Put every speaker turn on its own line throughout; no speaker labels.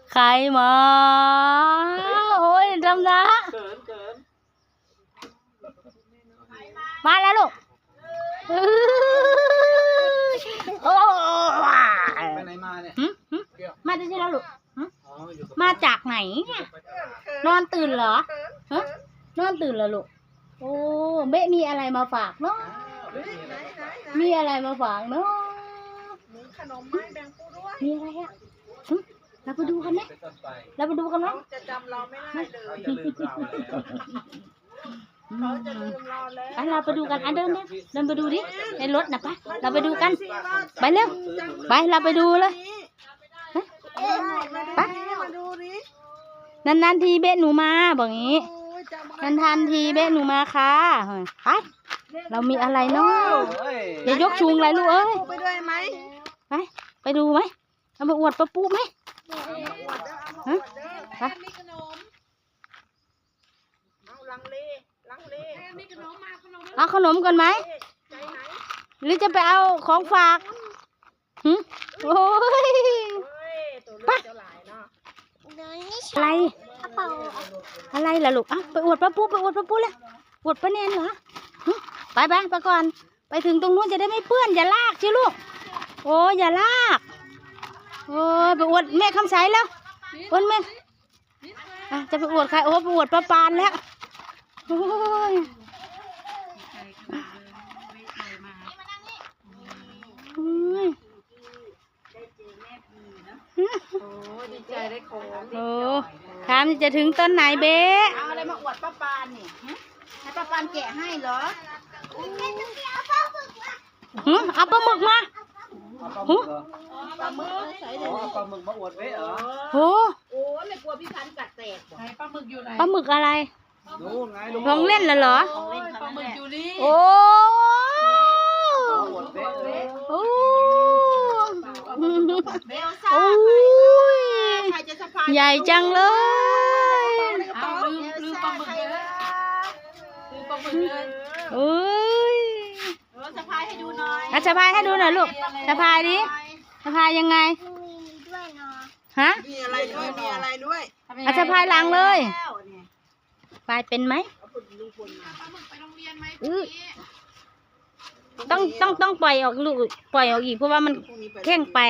ใครมาโอ้ยดำนะมาแล้วลูกโอ้
ไปไหนมาเนี่ย
มาได้ใช่แล้วลูกมาจากไหนนอนตื่นเหรอฮะนอนตื่นเหรอลูกโอ้เบ๊มีอะไรมาฝากเนาะมีอะไรมาฝากเนาะ
มีขนมไม้แบ่งปูด้วย
มีอะไรอ่ะเราไปดูกันไหมเราไปดูกันไหม
จะจำเราไม่ได้เลย
จะลืมเราแล้ว
เขาจะลืมเราแล้ว
ไปเราไปดูกันเดินไปดูดิในรถนะปะเราไปดูกันไปเร็วไปเราไปดูเลยไป
มาดูดิ
นานๆทีเบ๊หนูมาบอกงี้นานๆทีเบ๊หนูมาค่ะไปเรามีอะไรเนาะอย่ายกชุงอะไรลูกเอ้ย
ไปด้วยไหม
ไปดูไหมเอาไปอวดป้าปุ๊ไหมฮะไป
มีขนมเอาลังเลมีขนมมาขนม
เอาขนมกันไหม
ใจไหน
หรือจะไปเอาของฝากโอ้ย
เฮ้ยตัวเลือกเจ้าหลายเนาะ
อะไรอะไรล่ะลูกไปอวดป้าปุ๊เลยอวดป้าแนนเหรอไปไปก่อนไปถึงตรงนู้นจะได้ไม่เปื้อนอย่าลากชิลูกโอ้อย่าลากโอ้ไปอวดแม่คำใสแล้วอวดแม่จะไปอวดใครโอ้ไปอวดป้าปานแล้วโอ้ย
ดีใจได้ของ
โอ้ถามจะถึงต้นไหนเบ๊
เอาอะไรมาอวดป้าปานนี่ให้ป้าปานแกะให้เหรอ
เอาปลาหมึกมา
ปลาหมึกใส่
อ๋อปลาหมึกมาอวดเว้ยเหรอ
โอ้
โอ้ไม่กลัวพี่พันกัดแตกไหนปลาหมึกอยู่ไหน
ปลาหมึกอะไร
ดูไงลุง
ของเล่นเหรอ
ปลาหมึกอยู่นี่
โอ้
อวดเว้ยเออ
โอ้
เบลซ่า
โอ้ย
ใครจะสะพาย
ใหญ่จังเลย
เอาลืมปลาหมึกเลยลืมปลาหมึกเลย
โอ้ย
สะพายให้ดูหน่อย
สะพายให้ดูหน่อยลูกสะพายดิสะพายยังไงฮะ
มีอะไรด้วยมีอะไรด้วย
สะพายหลังเลยพายเป็นไหมต้องปล่อยออกลูกปล่อยออกอีกเพราะว่ามันแข้งไป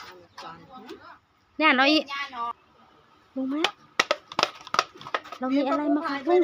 เนี่ยน้อยรู้ไหมเรามีอะไรมาขายด้วย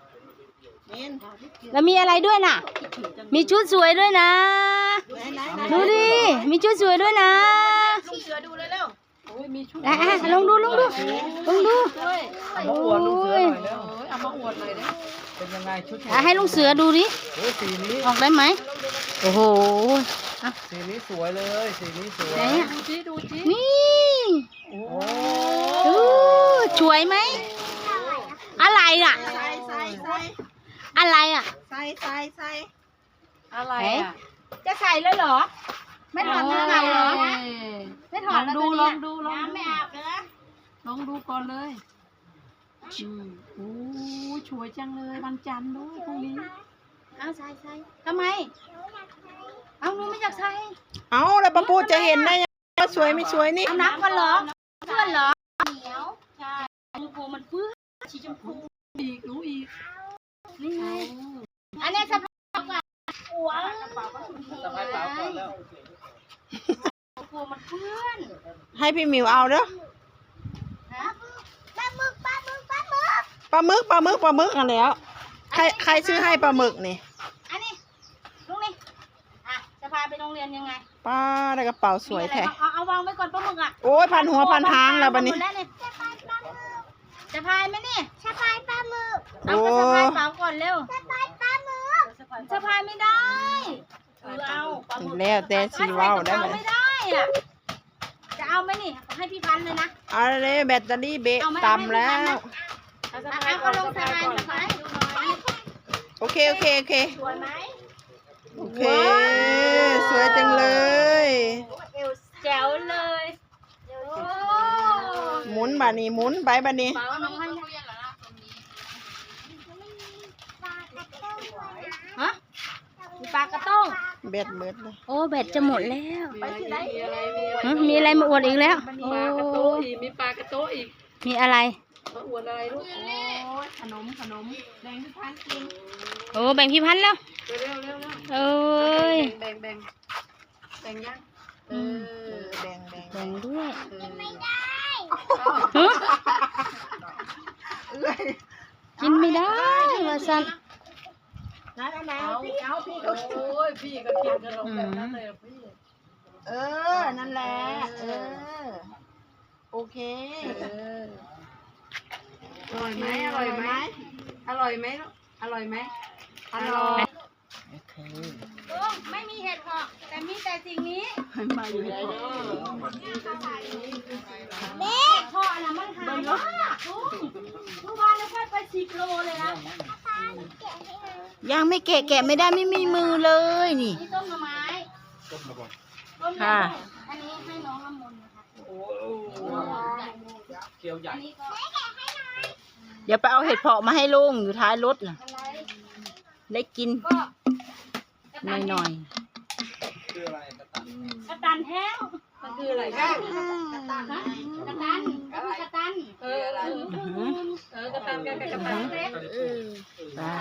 เรามีอะไรด้วยน่ะ มีชุดสวยด้วยนะดูดิมีชุดสวยด้วยนะ
ลุงเสือดูเลยเร็ว
ลองดู
เอามาอวดลุงเสือหน่อยแล้ว
เอามาอวดเลยนะ
เป็นยังไงชุด
ให้ลุงเสือดูดิ
โอ้สีนี้
ออกได้ไหมโอ้โห
สีนี้สวยเลยสีนี้สวย
ไหนอะ
ดูจิ
นี่
โอ้
สวยไหมอะไรอ่ะ
ใส่
อะไรอ่ะ
ใส่
อะไรอ่ะจะใส่เลยเหรอไม่ถอดเสื้อเหรอไม่ถอดแล้วดูลองดูไม่อาบเลย
ลองดูก่อนเลยโอ้สวยจังเลยวันจันทร์ด้วยพรุ่งนี้
เอาใส่ทำไมเอาหนูไม่อยากใส่
เอาแล้วป้าปูจะเห็นได้ยังว่าสวยไม่สวยนี่
เอานับกันเหรอเพื่อนเหรอเหนียวใช่ชมพูมันเปื้อนสีชมพู
อีกรู้อีก
นี่ไงอันนี้สะพายก่อนหัว
สบายเปล่าก่อนแล้ว
ชมพูมันเปื้อน
ให้พี่มิวเอาเด้อ
ฮะปลาหมึก
ปลาหมึกกันแล้วใครซื้อให้ปลาหมึกนี่
อันนี้ลุงนี่จะพาไปโรงเรียนยังไง
ป้าได้กระเป๋าสวยแท้
เอาวางไว้ก่อนปลาหมึกอ่ะ
โอ้ยพันหัวพันหางแล้วบัดนี้
จะพายไหมนี่จะพายปลาหมึก
โอ้
เอาไปสะพายเป๋าก่อนเร็วจะพายปลาหมึกจะพายไม่ได้เอาปลาหมึก
แล้วแต่สีว้าวได้ไหม
ไม่ได้อ่ะจะเอาไหมนี่ให้พี่พันเลยนะ
เอาเลยแบตเตอรี่เบะต่ำแล้ว
เอาลงสะพายสะพายดูหน่อย
โอเค
สวยไหม
โอเคสวยจังเลย
เอวแจ๋วเลย
หมุนบานี้หมุนไปบานี้
เป๋าน้องให้ฮะมีปลากระต้ง
แบตเบิดเลย
โอ้แบตจะหมดแล้ว
มีอะไร
มีอะไรมาอวดอีกแล้วโอ้
ทีมีปลากระโต๊ะอีก
มีอะไร
มาอวดอะไรลูกโอ้ยขนมแบ่งพี่พันกิน
โอ้แบ่งพี่พันธุ์แล้ว
เร็ว
เอ้ย
แบ่งยังแบ่ง
แบ่งด้วย
เออ
กินไม่ได้ว่าสัน
เอาพี่โอ้ยพี่ก็กินขนมแบบนั้นเลยพี่
นั่นแหละ โอเค
อร่อยไหมอร่อยไหมอร่อยไหมลูกอร่อยไหมอร่อย
ลุงไม่มีเห็ดหอกแต่มีแต่สิ่งนี้มาอยู่ในพ่อน่ะมันหายมากลุงเมื่อวานเราไป10 โลเลยนะ
ยังไม่แกะไม่ได้ไม่มีมือเลยนี่
นี่ต้มหน่อไม้
ต้มระบอก
ต้มหน่อไม้อันนี้ให้น้องน้ำมนต์นะคะ
โอ้เกี๊ยวใหญ่
อันนี้ก็
เดี๋ยวไปเอาเห็ดเผาะมาให้ลุงอยู่ท้ายรถน่ะ
อะไร
ได้กิน
ก็กระ
ห
ตัน
น่อย
คืออะไรกระตัน
กระตันแห้ง
มันคืออะไรกัน
กระตันกระตันก็คือกระตัน
อะไรกระตันกันกับกระตัน
เล็ก
ๆได้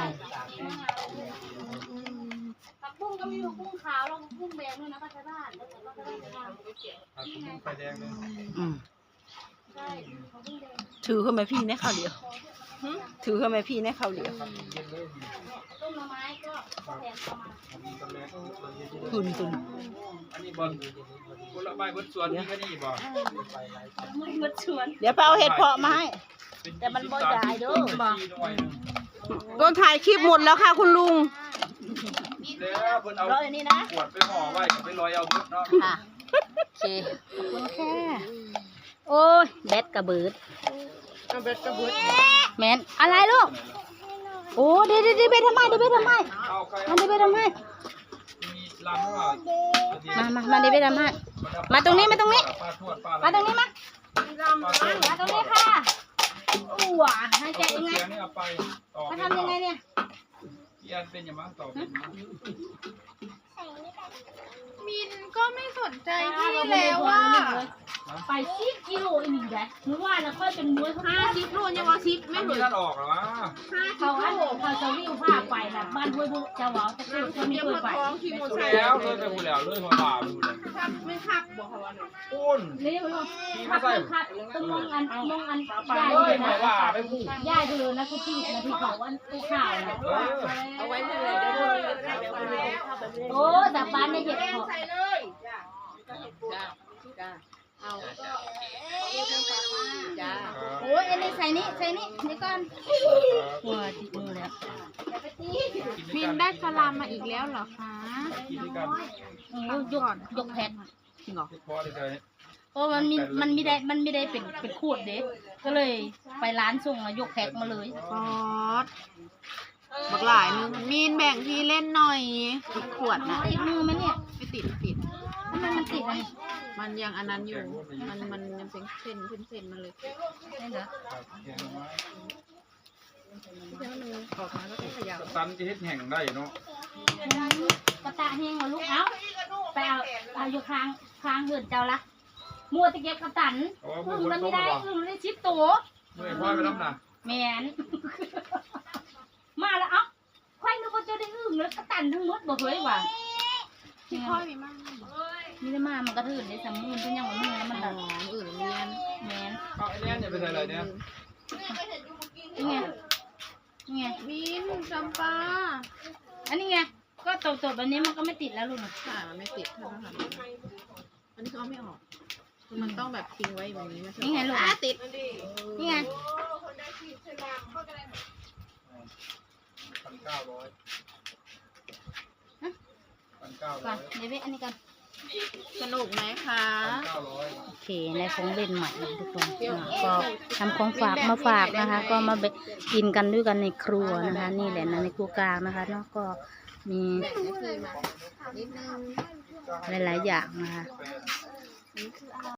ผักบุ้งก็มีผักบุ้งขาวแล้วผักบุ้งแดงด้วยนะป้าชาวบ้านแล้วก็ได้ไปทำ
ผัดกุ้งไฟแดงเลย
อืม
ใช่ผักบุ้งแดง
ถือเข้ามาพี่ในข้าวเดียวถือเข้ามาพี่ในข้าวเดียว
ต้มหน่อไม้ก็แทนประมาณ
ทุน
อันนี้บอลผลไม้บนสวนนี่ก็นี่บ่
ไม่หมดชวน
เดี๋ยวไปเอาเห็ดเผาะมาให้ แต่มันบ่ใหญ่เด้อ ต้นถ่ายคลิปหมดแล้วค่ะคุณลุง
แล้วเพิ่นเอา
ร้อยนี่นะ
ขวดไปห่อไว้ไปลอยเอาเบิดเนาะ
ค่ะ โอเคขอบคุณค่ะ
โอ้ยแบดกระเบิด
เอาเบ็ดกระบุด
แมนอะไรลูกโอ้เดี๋ยวไปทำไมเดี๋ยวไปทำไม
เอาใคร
มันเดี๋ยวไปทำไม
มีลำว่า
มาเดี๋ยวไปทำไมมาตรงนี้มาตรงนี้
ปลาทวดปลา
มาตรงนี้มา
ปลาทวด
มาตรงนี้ค่ะอู้หว่ะให้แกะยังไง
เสียงนี่เอาไปต่อ
มาทำยังไงเนี่ย
พี่อันเป็นยังไงต่อเป็น
มินก็ไม่สนใจ
พี่แล้วว่าไป10 กิโลอีกแหละหรือว่าแล้วค่อยเป็นมวย50 โลยังว่า10
ไม่
ไม่
มี
เหมือน
ท่านออกหรอวะ
เขาจะวิ่งผ้าไปนะบ้านห้วยบุจะหวาจะเกิดคนไม่เคยไป
ดูแล้วเลยไปหูแล้วเลยมาบ่าไปหูแล้ว
ไม่คักบอกเขาว่าเนี่ย
ปุ้น
เรียกว่าคัดต้องมองอันย่าย
เล
เลย ย
มา
นะ
บ่าไปหู
ย่ายเลยนะคุณพี่นะที่เขาวันกูข่าวนะ
เอาไว้เมื่อไรเดี๋ยว
โอ้แต่บ้านในเห็ดหอ
ใส่เลยจ้าเอาจ้า
โอ้ยอันนี้ใส่นี่นี่ก่อนหัวติดมือแล้ว
มินได้สลามมาอีกแล้วเหรอคะ
กินด้วยกัน
ยกแผ่น
จริงเหรอ
พอเลย
เพราะมันไม่ได้เป็นขวดเด็กก็เลยไปร้านส่งยกแพ็คมาเลย
ฟอสบักหลายนึงมินแบ่งพี่เล่นหน่อยอีกขวดนะ
ติดมือไหมเนี่ย
ไม่ติด
ทำไมมันติดอ่ะ
มันยังอันนั้นอยู่ มันยังเป็นเส้นมาเลย
นี่เหรอ
ออกมาแล้วก็ขยับ
ตันจะเฮ็ดแห่งได้เนาะ
กระตาแห้งเหรอลูกเอ้าไปเอาอยู่ค้างเหือนเจ้าละมัวตะเก็บกระตันอึ่งมันไม่ได้อึ่งมันได้ชิปตัว
เมื่อพ่อไปรับนะ
แมน มาแล้วเอ้าใครนึกว่าจะได้อึ่งแล้วกระตันทั้งหมดบอกเลยว่า
ที่พ่อมีมาก
นี่ได้มามันกระถืนได้สามมื่นเพิ่นยังว่ามื่นแล้วมัน
อ๋
แบ
อบ อื่นเรียน
แมน
เอาไอ้แน่นเนี่ยไปใส่อะไรเนี่ย
นี่ไงนี่ไง
มินจำปา
อันนี้ไงก็ตบแบบนี้มันก็ไม่ติดแล้วลูกนะ
ค่ะมันไม่ติดเท่านั้นอันนี้เขาเอาไม่ออกคือมันต้องแบบทิ้งไว้แบบนี้ไม่ใช่
นี่ไงลูก
ติด
นี่ไง
1,900
ก่อนเดี๋ยวไปอันนี้ก่อน
สนุกไหมคะ
1,900
โอเคในของเล่นใหม่นะทุกคนก็ทำของฝากมาฝากนะคะ ก็มากินกันด้วยกันในครัวนะคะ นี่แหละนะในครัวกลางนะคะเนาะก็มีหลายๆอย่างนะคะ